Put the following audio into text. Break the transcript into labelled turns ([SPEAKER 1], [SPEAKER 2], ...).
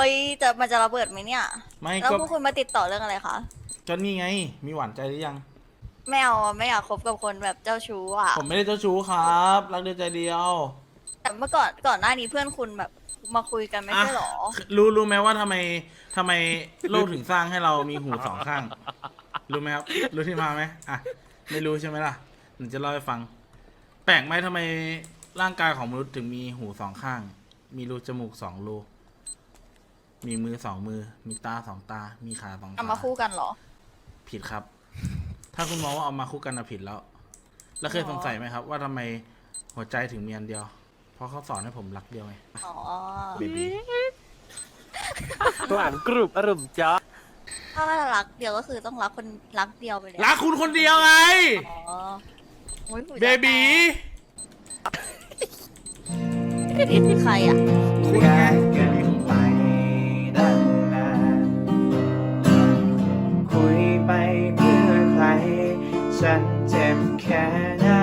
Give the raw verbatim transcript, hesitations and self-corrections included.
[SPEAKER 1] ยจะมันจะระเบิดไหมเนี่ย
[SPEAKER 2] ไม่
[SPEAKER 1] แล้ว
[SPEAKER 2] ก็
[SPEAKER 1] พวกคุณมาติดต่อเรื่องอะไรคะ
[SPEAKER 2] ก็นี่ไง มีหวานใจหรือยัง
[SPEAKER 1] ไม่เอาอะไม่อยากคบกับคนแบบเจ้าชู้อ่ะ
[SPEAKER 2] ผมไม่ได้เจ้าชู้ครับรักเดียวใจเดียว
[SPEAKER 1] แต่เมื่อก่อนก่อนหน้านี้เพื่อนคุณแบบมาคุยกันไม่ใช่หรอ
[SPEAKER 2] ะรู้รู้ไหมว่าทำไมทำไมโลกถึงสร้างให้เรามีหูสองข้าง รู้ไหมครับรู้ที่มาไหมอ่ะไม่รู้ใช่ไหมล่ะหนูจะเล่าให้ฟัง แปลกไหมทำไมร่างกายของมนุษย์ถึงมีหูสองข้าง มีรูจมูกสองรูมีมือสองมือ มีตาสองตา มีขาสองขา
[SPEAKER 1] เอามาคู่กันเหรอ
[SPEAKER 2] ผิดครับ ถ้าคุณมองว่าเอามาคู่กันนะผิดแล้ว แล้วเคย
[SPEAKER 1] อ๋อ
[SPEAKER 2] สงสัยไหมครับ ว่าทำไมหัวใจถึงมีอันเดียว เพราะเขาสอนให้ผมรักเดียวไง
[SPEAKER 1] อ๋อ
[SPEAKER 2] เบบี
[SPEAKER 3] หวานกรุบอรุมจ้า
[SPEAKER 1] ถ้ารักเดียวก็คือต้องรักคนรักเดียวไปเลย
[SPEAKER 2] รักคุณคนเดียวไง
[SPEAKER 1] อ๋อโอ้ยหูจะ
[SPEAKER 2] เบบี
[SPEAKER 1] แตกนี่คือใครอ่ะ
[SPEAKER 2] คุณไง
[SPEAKER 4] กันไปนานๆคุยไปเพื่อใคร ฉันเจ็บแค่ไหน